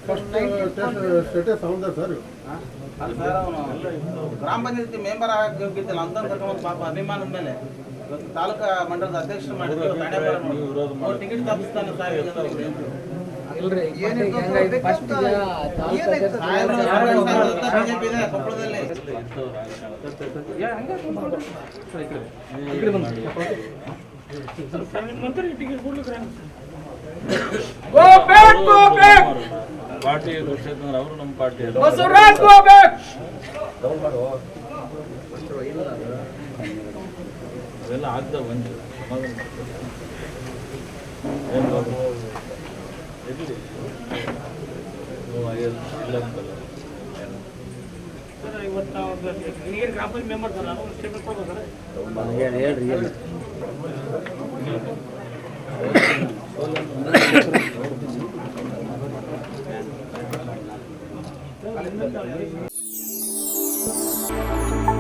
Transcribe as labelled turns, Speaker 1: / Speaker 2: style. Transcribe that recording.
Speaker 1: status ಅವನದ sir
Speaker 2: ಅಲ್ಲ sir ಅವನು ಗ್ರಾಮ ಪಂಚಾಯತಿ ಮೆಂಬರ್ ಆಗಿದ್ದಿಲ್ಲ ಅಂತ ಕರ್ಕೊಂಡು ಪಾಪ ಅಭಿಮಾನದ ಮೇಲೆ ಇವತ್ತು ತಾಲೂಕಾ ಮಂಡಲದ ಅಧ್ಯಕ್ಷರು ಮಾಡಿದ್ರು ಟಿಕೆಟ್ ತಪ್ಪಿಸ್ತಾನೆ ಸರ್ ಬಿಜೆಪಿ ಇದೆ ಕೊಪ್ಪಳದಲ್ಲಿ
Speaker 3: ಪಾರ್ಟಿ ಘೋಷಿತಂದ್ರೆ ಅವರು ನಮ್ಮ ಪಾರ್ಟಿ ಅವೆಲ್ಲ ಆಗ್ತಾವ ಬಂದು
Speaker 4: ಹೇಳ್ರಿ